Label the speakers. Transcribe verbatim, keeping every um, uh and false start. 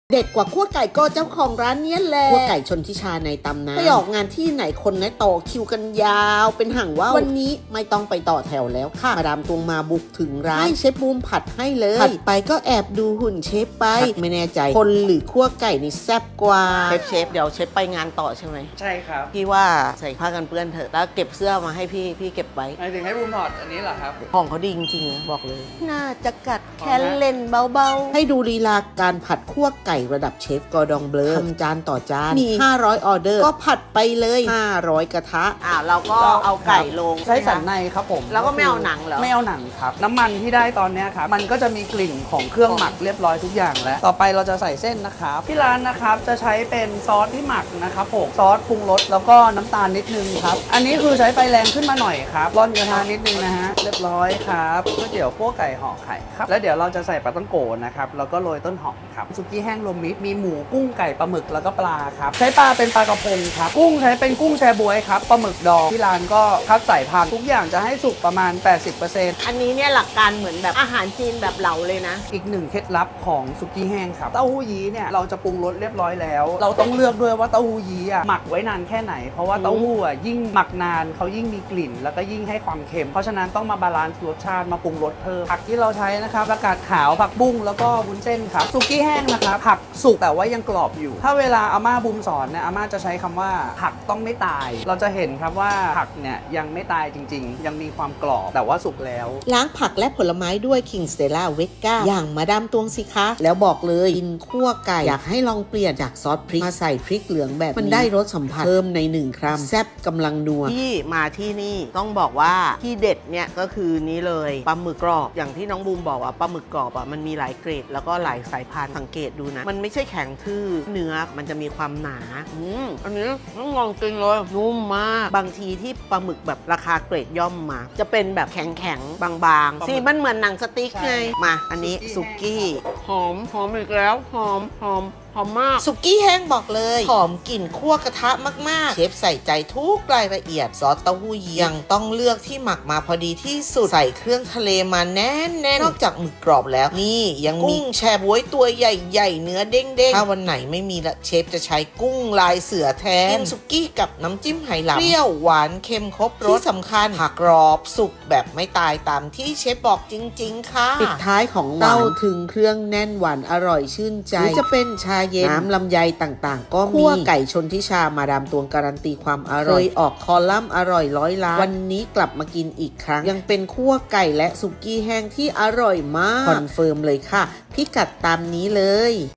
Speaker 1: เด็ดกว่าขั้วไก่ก็เจ้าของร้านเนี้ยแหละขั้วไก่ชนทิชาในตำนานไปออกงานที่ไหนคนนะต่อคิวกันยาวเป็นห่างว่าววันนี้ไม่ต้องไปต่อแถวแล้วค่ะมาดามตวงมาบุกถึงร้านให้เชฟบูมผัดให้เลยผัดไปก็แอบดูหุ่นเชฟไปไม่แน่ใจคนหรือขั้วไก่นี่แซ่บกว่าเชฟเชฟเดี๋ยวเชฟไปงานต่อใช่ไหม
Speaker 2: ใช่ครับ
Speaker 1: พี่ว่าใส่ผ้ากันเปื้อนเถอะแล้วเก็บเสื้อมาให้พี่พี่เก็บไว้
Speaker 2: หมายถึงให้บูมถอดอันนี้เหรอครับ
Speaker 1: ของเขาดีจริงๆนะบอกเลยน่าจะกัดแค่เล่นเบาๆให้ดูลีลาการผัดขั้วไก่ระดับเชฟกอร์ดองเบลอทำจานต่อจานมีห้าร้อยออเดอร์ก็ผัดไปเลยห้าร้อยกระทะอ่าเราก็เอาไก่ลง
Speaker 2: ใช้สันในครับผม
Speaker 1: แล้วก็ไม่เอาหนังเหรอ
Speaker 2: ไม่เอาหนังครับน้ำมันที่ได้ตอนนี้ครับมันก็จะมีกลิ่นของเครื่องหมักเรียบร้อยทุกอย่างแล้วต่อไปเราจะใส่เส้นนะครับที่ร้านนะครับจะใช้เป็นซอสที่หมักนะครับผมซอสปรุงรสแล้วก็น้ำตาลนิดนึงครับอันนี้คือใช้ไฟแรงขึ้นมาหน่อยครับร่อนกระทะนิดนึงนะฮะเรียบร้อยครับก๋วยเตี๋ยวคั่วไก่ห่อไข่ครับแล้วเดี๋ยวเราจะใส่ปลาต้องโกนะครับแล้วก็โรยต้นหอมครับซุกี้แห้งรวมมิตรมีหมูกุ้งไก่ปลาหมึกแล้วก็ปลาครับใช้ปลาเป็นปลากระพงครับกุ้งใช้เป็นกุ้งแชบ๊วยครับปลาหมึกดองที่ร้านก็คัดสายพันธุ์ทุกอย่างจะให้สุกประมาณ แปดสิบเปอร์เซ็นต์
Speaker 1: อันนี้เนี่ยหลักการเหมือนแบบอาหารจีนแบบเหลาเลยนะ
Speaker 2: อีกหนึ่งเคล็ดลับของซุกี้แห้งครับเต้าหู้ยี้เนี่ยเราจะปรุงรสเรียบร้อยแล้วเราต้องเลือกด้วยว่าเต้าหู้ยี้อ่ะหมักไว้นานแค่ไหนเพราะว่าเต้าหู้อ่ะยิ่งหมักนานเขายิ่งมีกลิ่นแล้วก็ยิ่งให้ความเค็มเพราะฉะนั้นต้องมาบาลานซ์รสชาติมาปรุงรสเพิ่มผักที่เราใช้นะครับผักกาดขาวผักบุ้งแล้วก็วุ้นเส้นครับซุกี้แห้งนะครับผักสุกแต่ว่ายังกรอบอยู่ถ้าเวลาอาม่าบุมสอนเนี่ยอาม่าจะใช้คำว่าผักต้องไม่ตายเราจะเห็นครับว่าผักเนี่ยยังไม่ตายจริงๆยังมีความกรอบแต่ว่าสุกแล้ว
Speaker 1: ล้างผักและผลไม้ด้วย King Stella Vega อย่างมาดามตวงสิคะแล้วบอกเลยกินคั่วไก่อยากให้ลองเปลี่ยนจากซอสพริกมาใส่พริกเหลืองแบบมันได้รสสัมผัสเพิ่มในหนึ่งครัมแซ่บกำลังนัวที่มาที่นี่ต้องบอกว่าที่เด็ดเนี่ยก็คือนี้เลยปลาหมึกกรอบอย่างที่น้องบูมบอกว่าปลาหมึกกรอบอ่ะมันมีหลายเกรดแล้วก็หลายสายพันธุ์สังเกตดูนะมันไม่ใช่แข็งทื่อเนื้อมันจะมีความหนาอืมอันนี้ต้องลองกินเลยนุ่มมากบางทีที่ปลาหมึกแบบราคาเกรดย่อมมาจะเป็นแบบแข็งๆบางๆสิมันเหมือนหนังสติ๊กไงมาอันนี้สุกี้หอมหอมอีกแล้วหอมหอมหอมมากสุกี้แห้งบอกเลยหอมกลิ่นคั่วกระทะมากๆเชฟใส่ใจทุกรายละเอียดซอสเต้าหู้ยี้ยังต้องเลือกที่หมักมาพอดีที่สุดใส่เครื่องทะเลมาแน่นๆนอกจากหมึกกรอบแล้วนี่ยังมีกุ้งแชบ๊วยตัวใหญ่ๆเนื้อเด้งๆถ้าวันไหนไม่มีละเชฟจะใช้กุ้งลายเสือแทนกินสุกี้กับน้ำจิ้มไหหลำเปรี้ยวหวานเค็มครบรสที่สำคัญผักกรอบสุกแบบไม่ตายตามที่เชฟบอกจริงๆค่ะปิดท้ายของเต้าถึงเครื่องแน่นหวานอร่อยชื่นใจหรือจะเป็นชาเย็นน้ำลำไยต่างๆก็มีคั่วไก่ชนทิชามาดามตวงการันตีความอร่อยเคยออกคอลัมน์อร่อยร้อยล้านวันนี้กลับมากินอีกครั้งยังเป็นคั่วไก่และสุกี้แห้งที่อร่อยมากคอนเฟิร์มเลยค่ะพิกัดตามนี้เลย